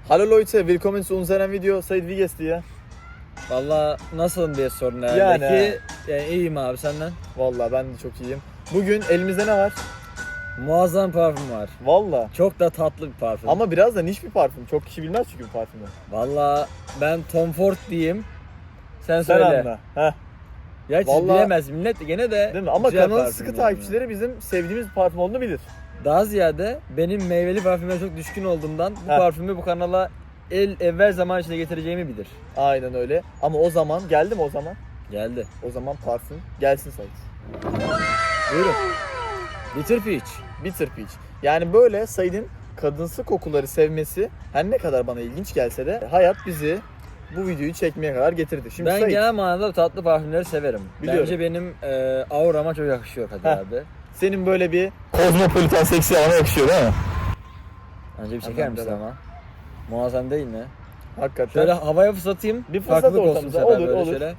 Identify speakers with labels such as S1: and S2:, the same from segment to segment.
S1: Hallo Leute, willkommen zu unserem Video. Said, wie geht's dir?
S2: Valla nasılım diye sorun herhalde
S1: Yani.
S2: ki. Yani iyiyim abi, senden.
S1: Vallahi ben de çok iyiyim. Bugün elimizde ne var?
S2: Muazzam parfüm var.
S1: Vallahi.
S2: Çok da tatlı bir parfüm.
S1: Ama biraz da niş bir parfüm. Çok kişi bilmez çünkü bu parfümü.
S2: Valla ben Tom Ford diyeyim. Sen
S1: Sen
S2: söyle.
S1: anla. Heh.
S2: Ya hiç
S1: Vallahi-
S2: bilemez millet gene de.
S1: Değil mi? Ama
S2: güzel
S1: kanalın
S2: parfüm
S1: sıkı
S2: yani.
S1: takipçileri bizim sevdiğimiz bir parfüm olduğunu bilir.
S2: Daha ziyade benim meyveli parfüme çok düşkün olduğumdan bu
S1: Heh.
S2: parfümü bu kanala evvel zaman içinde getireceğimi bilir.
S1: Aynen öyle. Ama o zaman, geldi mi o zaman?
S2: Geldi.
S1: O zaman parfüm gelsin Said.
S2: Buyurun. Bitter Peach.
S1: Bitter Peach. Yani böyle Said'in kadınsı kokuları sevmesi her ne kadar bana ilginç gelse de hayat bizi bu videoyu çekmeye kadar getirdi. Şimdi
S2: Ben
S1: Said,
S2: genel manada tatlı parfümleri severim.
S1: Biliyorum.
S2: Bence benim aurama çok yakışıyor Kadir
S1: Heh.
S2: abi.
S1: senin böyle bir kozmopolitan seksi havana yakışıyor değil mi?
S2: Önce bir çeker
S1: Hemen
S2: misin
S1: devam.
S2: ama? Muazzam değil mi?
S1: Hakikaten.
S2: Şöyle havaya fıslatayım.
S1: Bir fırsat
S2: farklılık olsun
S1: ortamıza.
S2: bu sefer
S1: Olur,
S2: böyle
S1: olur.
S2: şöyle.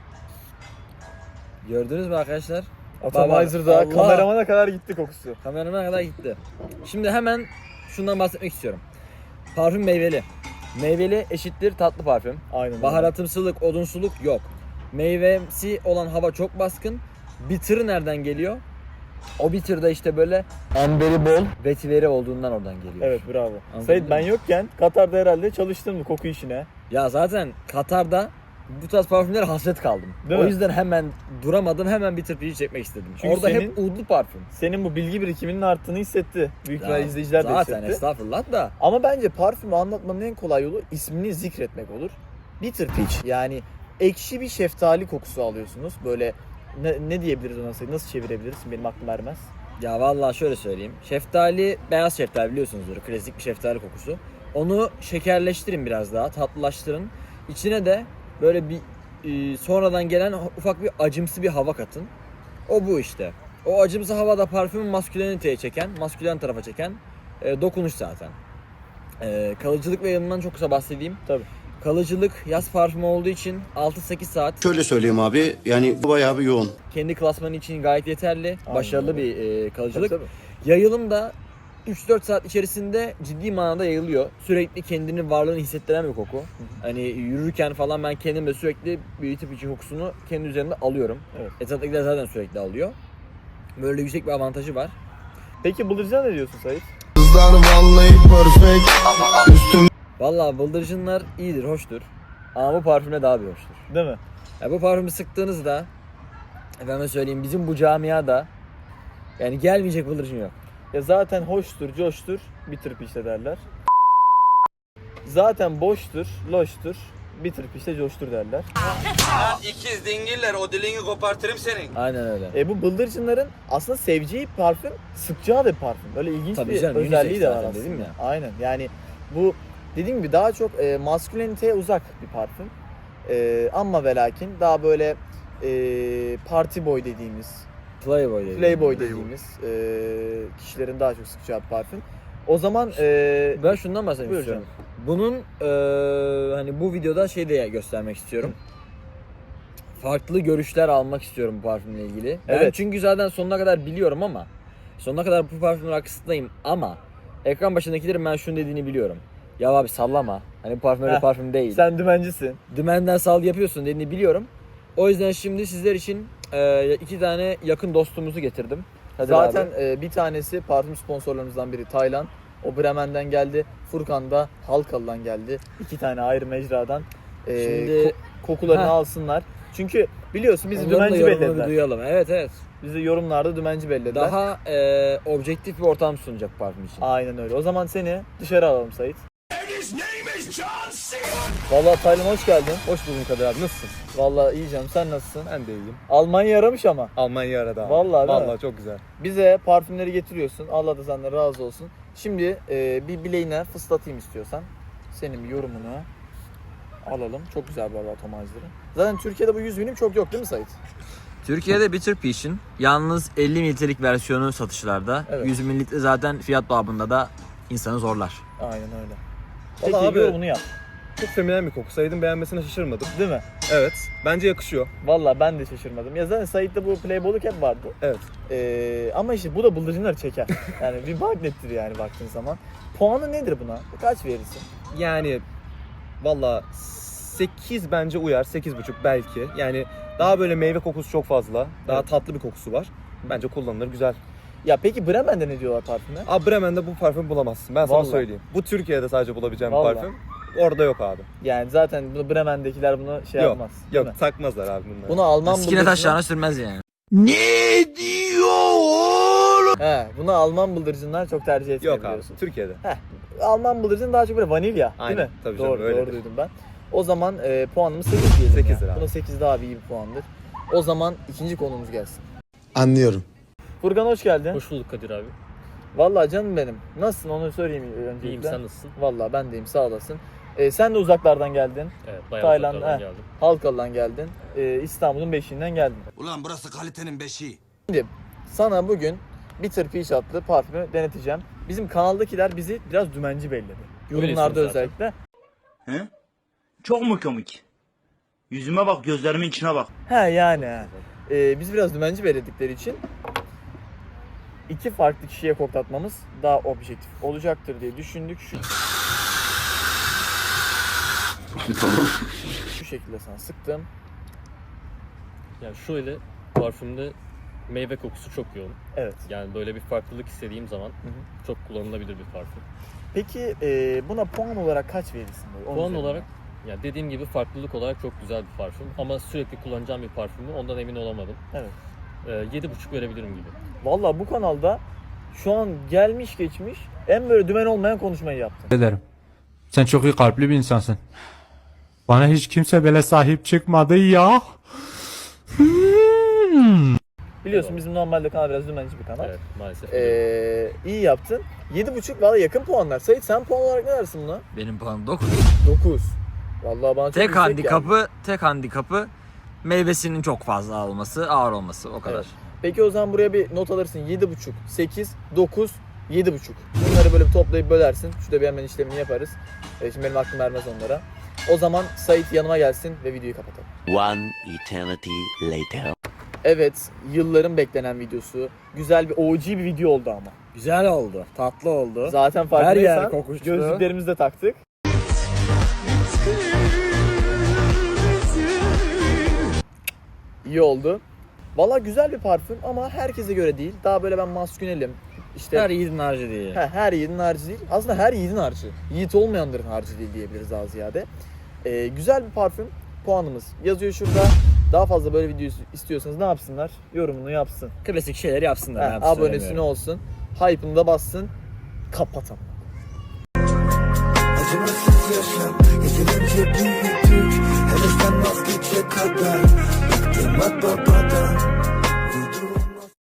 S2: Gördünüz mü arkadaşlar?
S1: Atomizer'da
S2: Allah.
S1: kameramana kadar gitti kokusu.
S2: Kameramına kadar gitti. Şimdi hemen şundan bahsetmek istiyorum. Parfüm meyveli. Meyveli eşittir tatlı parfüm.
S1: Aynen öyle.
S2: Baharatımsılık, odunsuluk yok. Meyvemsi olan hava çok baskın. Bitter'ı nereden geliyor? O bitter da işte böyle amberi bol, vetiveri olduğundan oradan geliyor.
S1: Evet, bravo.
S2: Anladın
S1: Said, ben
S2: mı?
S1: yokken Katar'da herhalde çalıştın mı koku işine?
S2: Ya zaten Katar'da bu tarz parfümlere hasret kaldım.
S1: Değil
S2: o
S1: mi?
S2: yüzden hemen duramadım, hemen Bitter Peach'i çekmek istedim.
S1: Çünkü
S2: Orada
S1: senin-
S2: hep udlu parfüm.
S1: Senin bu bilgi birikiminin arttığını hissetti. Büyük
S2: Ya
S1: ihtimalle izleyiciler de
S2: zaten
S1: hissetti.
S2: estağfurullah da.
S1: Ama bence parfümü anlatmanın en kolay yolu ismini zikretmek olur. Bitter Peach, yani ekşi bir şeftali kokusu alıyorsunuz. Böyle ne diyebiliriz ona Said? Nasıl çevirebiliriz? Benim aklım ermez.
S2: Ya vallahi şöyle söyleyeyim. Şeftali, beyaz şeftali biliyorsunuzdur. Klasik bir şeftali kokusu. Onu şekerleştirin biraz daha, tatlılaştırın. İçine de böyle bir sonradan gelen ufak bir acımsı bir hava katın. O bu işte. O acımsı hava da parfümü masküleniteye çeken, maskülen tarafa çeken dokunuş zaten. Kalıcılık ve yanından çok kısa bahsedeyim.
S1: Tabii.
S2: Kalıcılık yaz parfümü olduğu için 6-8 saat
S3: Şöyle söyleyeyim abi, yani bu bayağı bir yoğun.
S2: kendi klasmanı için gayet yeterli.
S1: Aynen
S2: Başarılı
S1: öyle.
S2: bir kalıcılık.
S1: Tabii.
S2: Yayılım da 3-4 saat içerisinde ciddi manada yayılıyor. Sürekli kendini varlığını hissettiren bir koku. Hani yürürken falan ben kendim de sürekli bir tip için kokusunu kendi üzerimde alıyorum.
S1: Evet.
S2: Etraftakiler zaten sürekli alıyor. Böyle yüksek bir avantajı var.
S1: Peki bıldırcına ne diyorsun Said?
S3: Kızlar vallahi perfect. Üstüm
S2: Vallahi bıldırcınlar iyidir, hoştur. Ama bu parfümle daha bir hoştur.
S1: Değil mi?
S2: Ya bu parfümü sıktığınızda, efendime söyleyeyim, bizim bu camiada yani gelmeyecek bıldırcın yok.
S1: Ya zaten hoştur, coştur, Bitter Peach'te derler. Zaten boştur, loştur, Bitter Peach'te coştur derler.
S4: İkiz dingiller, o dilini kopartırım senin.
S2: Aynen öyle.
S1: Bu bıldırcınların aslında seveceği parfüm, sıkacağı da bir parfüm. Böyle ilginç
S2: Tabii
S1: bir
S2: canım,
S1: özelliği
S2: unisex
S1: de var
S2: zaten
S1: aslında.
S2: dedim ya.
S1: Aynen, yani bu dediğim gibi daha çok masküleniteye uzak bir parfüm. Ama ve lakin daha böyle party boy dediğimiz,
S2: Playboy dedi.
S1: playboy dediğimiz kişilerin daha çok sıkacağı bir parfüm. O zaman
S2: Ben şundan bahsetmek
S1: Buyur
S2: istiyorum. Bunun hani bu videoda şey de göstermek istiyorum. Farklı görüşler almak istiyorum bu parfümle ilgili. Ben
S1: Evet.
S2: çünkü zaten sonuna kadar biliyorum ama sonuna kadar bu parfümün arkasındayım ama ekran başındakilerin ben şunu dediğini biliyorum. Ya abi sallama. Hani bu parfüm öyle
S1: Heh,
S2: parfüm değil.
S1: sen dümencisin.
S2: Dümenden sal yapıyorsun dediğini biliyorum. O yüzden şimdi sizler için 2 tane yakın dostumuzu getirdim. Hadi
S1: Zaten
S2: abi.
S1: bir tanesi parfüm sponsorlarımızdan biri Taylan. O Bremen'den geldi. Furkan da Halkalı'dan geldi. 2 tane ayrı mecradan
S2: Şimdi-
S1: kokularını
S2: Heh.
S1: alsınlar. Çünkü biliyorsun bizi
S2: Onların da
S1: dümenci
S2: yorumunu bir
S1: bellediler.
S2: duyalım. Evet evet.
S1: Bizi yorumlarda dümenci bellediler.
S2: Daha objektif bir ortam sunacak parfüm için.
S1: Aynen öyle. O zaman seni dışarı alalım Sait. Vallahi Taylan hoş geldin.
S5: Hoş bulduk Kadir abi, nasılsın?
S1: Vallahi iyi canım, sen nasılsın?
S5: Ben de iyiyim.
S1: Almanya yaramış ama.
S5: Almanya arada abi.
S1: Vallahi değil mi?
S5: Vallahi çok güzel.
S1: Bize parfümleri getiriyorsun. Allah da senden razı olsun. Şimdi bir bileğine fıslatayım istiyorsan. Senin bir yorumunu alalım. Çok güzel bu arada atomizer'ı. Zaten Türkiye'de bu 100 milim çok yok değil mi Sait?
S2: Türkiye'de Bitter Peach'in yalnız 50 mililitrelik versiyonu satışlarda.
S1: Evet.
S2: 100 mililitre zaten fiyat babında da insanı zorlar.
S1: Aynen öyle. Peki
S5: Vallahi abi-
S1: yorumunu yap.
S5: Çok feminen bir koku. Said'in beğenmesine şaşırmadım.
S1: Değil mi?
S5: Evet. Bence yakışıyor.
S1: Vallahi ben de şaşırmadım. Ya zaten Sait'te bu playboyluk hep vardı.
S5: Evet.
S1: Ama işte bu da bıldırcınları çeker. Yani bir magnettir yani baktığın zaman. Puanı nedir buna? Kaç verirsin?
S5: Yani Valla 8 bence uyar. 8,5 belki. Yani daha böyle meyve kokusu çok fazla. Daha
S1: Evet.
S5: tatlı bir kokusu var. Bence kullanılır, güzel.
S1: Ya peki Bremen'de ne diyorlar parfüme?
S5: Abi Bremen'de bu parfüm bulamazsın. Ben sana
S1: Vallahi.
S5: söyleyeyim. Bu Türkiye'de sadece bulabileceğim
S1: Vallahi.
S5: bir parfüm. Orada yok abi.
S1: Yani zaten bunu Bremen'dekiler bunu şey
S5: Yok,
S1: yapmaz. değil mi?
S5: Yok takmazlar abi bunları.
S1: Bunu Alman
S2: Sikine
S1: bıldırcını...
S2: taşlarına sürmez yani.
S1: He, bunu Alman bıldırcınlar çok tercih etmiyor
S5: Yok abi.
S1: biliyorsun.
S5: Türkiye'de.
S1: Alman bıldırcın daha çok böyle vanilya
S5: Aynen,
S1: değil mi?
S5: tabii canım,
S1: doğru,
S5: öyledir.
S1: doğru duydum ben. O zaman puanımız 8 diyelim
S5: 8'dir
S1: ya.
S5: abi.
S1: Buna 8 daha bir iyi bir puandır. O zaman ikinci konumuz gelsin.
S3: Anlıyorum.
S1: Furkan hoş geldin.
S6: Hoş bulduk Kadir abi.
S1: Vallahi canım benim. Nasılsın onu söyleyeyim öncelikle.
S6: İyiyim, sen nasılsın?
S1: Vallahi ben deyim, sağ olasın. Sen de uzaklardan geldin.
S6: Evet, bayağı
S1: Tayland,
S6: uzaklardan
S1: he.
S6: geldim.
S1: Halkalı'dan geldin. İstanbul'un beşiğinden geldin.
S4: Ulan burası kalitenin beşiği.
S1: Sana bugün Bitter Peach adlı parfümü deneteceğim. Bizim kanaldakiler bizi biraz dümenci belledi. Yorumlarda
S6: Öylesiniz zaten.
S1: özellikle.
S7: He? Çok mu komik? Yüzüme bak, gözlerimin içine bak.
S1: He yani. Biz biraz dümenci belirledikleri için iki farklı kişiye koklatmamız daha objektif olacaktır diye düşündük. Şu şekilde sana sıktım.
S6: Yani şöyle, parfümde meyve kokusu çok yoğun.
S1: Evet.
S6: Yani böyle bir farklılık istediğim zaman
S1: hı.
S6: çok kullanılabilir bir parfüm.
S1: Peki buna puan olarak kaç verirsin? Böyle? Onun
S6: Puan
S1: üzerinden.
S6: olarak, yani dediğim gibi farklılık olarak çok güzel bir parfüm. Ama sürekli kullanacağım bir parfüm mü ondan emin olamadım.
S1: Evet.
S6: 7,5 verebilirim gibi.
S1: Vallahi bu kanalda şu an gelmiş geçmiş en böyle dümen olmayan konuşmayı yaptın.
S8: ederim. Sen çok iyi kalpli bir insansın. Bana hiç kimse böyle sahip çıkmadı ya.
S1: Biliyorsun bizim normalde kanal biraz dümenci bir kanal.
S6: Evet, maalesef.
S1: İyi yaptın. 7,5 valla yakın puanlar. Sait sen puan olarak ne dersin buna?
S2: Benim puanım 9.
S1: 9. Vallahi bana çok
S2: Tek
S1: yüksek
S2: handikapı meyvesinin çok fazla olması, ağır olması o kadar.
S1: Evet. Peki o zaman buraya bir not alırsın. 7,5, 8, 9, 7,5. Bunları böyle bir toplayıp bölersin. Şurada bir hemen işlemini yaparız. Şimdi benim aklım ermez onlara. O zaman Sait yanıma gelsin ve videoyu kapatalım.
S9: One eternity later.
S1: Evet, yılların beklenen videosu. Güzel bir OG bir video oldu ama.
S2: Güzel oldu, tatlı oldu.
S1: Zaten farkındaysan
S2: Her yer kokuştu.
S1: gözlüklerimizi de taktık. İyi oldu. Valla güzel bir parfüm ama herkese göre değil. Daha böyle ben maskünelim. İşte
S2: Her yiğidin harcı değil.
S1: her yiğidin harcı değil. Aslında her yiğidin harcı. Yiğit olmayanların harcı değil diyebiliriz daha ziyade. Güzel bir parfüm. Puanımız yazıyor şurada. Daha fazla böyle video istiyorsanız ne yapsınlar? Yorumunu yapsın.
S2: Klasik şeyleri yapsınlar. ne yapsın
S1: Abonesini
S2: söylemiyorum.
S1: olsun. Hype'ını da bassın. Kapatalım.
S3: Acımasız yaşam yeterince büyüdük. Hevesten vazgeçe kadar. Bıktım at baba.